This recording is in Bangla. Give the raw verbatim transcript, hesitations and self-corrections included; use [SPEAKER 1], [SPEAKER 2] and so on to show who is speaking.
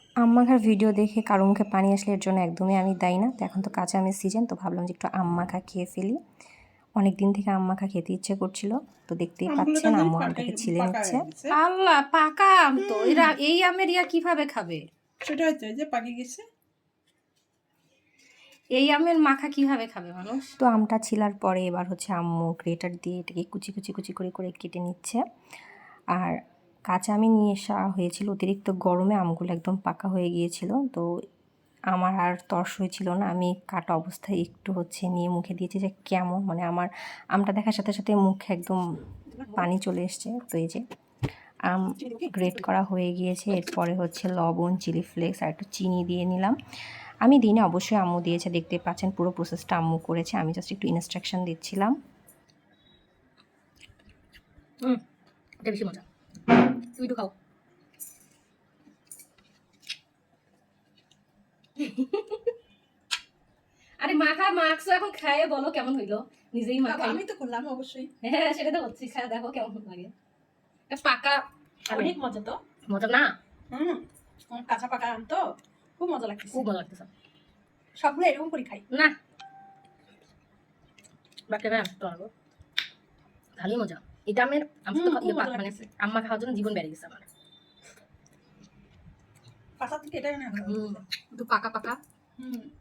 [SPEAKER 1] আম মাখার ভিডিও দেখে কারো মুখে পানি আসলে এর জন্য একদমই আমি দায়ী না। তো এখন তো কাঁচা আমের সিজন, তো ভাবলাম যে একটু আম মাখা খেয়ে ফেলি। অনেক দিন থেকে আম মাখা খেতে ইচ্ছে করছিল, তো দেখতেই পাচ্ছেন আম্মু আমটাকে ছিলে নিচ্ছে।
[SPEAKER 2] আল্লাহ, পাকা আম তো এরা এই আমের ইয়া কিভাবে খাবে?
[SPEAKER 3] সেটাই তো, যে পাকে গেছে।
[SPEAKER 2] এই আমের মাখা কিভাবে খাবে মানুষ?
[SPEAKER 1] তো আমটা ছিলার পরে এবার হচ্ছে আম্মু গ্রেটার দিয়ে এটাকে কুচি কুচি কুচি করে করে কেটে নিচ্ছে। আর কাঁচা আমি নিয়ে আসা হয়েছিল, অতিরিক্ত গরমে আমগুলো একদম পাকা হয়ে গিয়েছিল, তো আমার আর তর্স হয়েছিল না। আমি কাটা অবস্থায় একটু হচ্ছে নিয়ে মুখে দিয়েছি যে কেমন, মানে আমার আমটা দেখার সাথে সাথে মুখে একদম পানি চলে এসছে। তো এই যে আম গ্রেট করা হয়ে গিয়েছে, এরপরে হচ্ছে লবণ, চিলি ফ্লেক্স আর একটু চিনি দিয়ে নিলাম। আমি দিনে অবশ্যই আম্মু দিয়েছে, দেখতে পাচ্ছেন পুরো প্রসেসটা আম্মু করেছে, আমি জাস্ট একটু ইনস্ট্রাকশন দিচ্ছিলাম।
[SPEAKER 2] হুম, এটা বেশি মজা। তুমি একটু খাও। আরে মাখা মাখছো, এখন খাইয়ে বলো কেমন হইলো। নিজেই মাখা।
[SPEAKER 3] আমি তো করলাম অবশ্যই।
[SPEAKER 2] হ্যাঁ, সেটা তো হচ্ছে, খায় দেখো কেমন লাগে। পাকা
[SPEAKER 3] অনেক মজা তো।
[SPEAKER 2] মজা না?
[SPEAKER 3] হুম, কাঁচা পাকা আম তো খুব মজা লাগতেছে।
[SPEAKER 2] খুব মজা লাগতেছে।
[SPEAKER 3] সবগুলো এরকম করে খাই
[SPEAKER 2] না, বাকি ভাই আসতে পারবো, ভালোই মজা। এটা আমের আমি তো মানে আম্মা খাওয়ার জন্য জীবন বেড়ে গেছে আমার।
[SPEAKER 3] পাকা থেকে এটা না,
[SPEAKER 2] হুম, একটু পাকা পাকা।
[SPEAKER 3] হুম।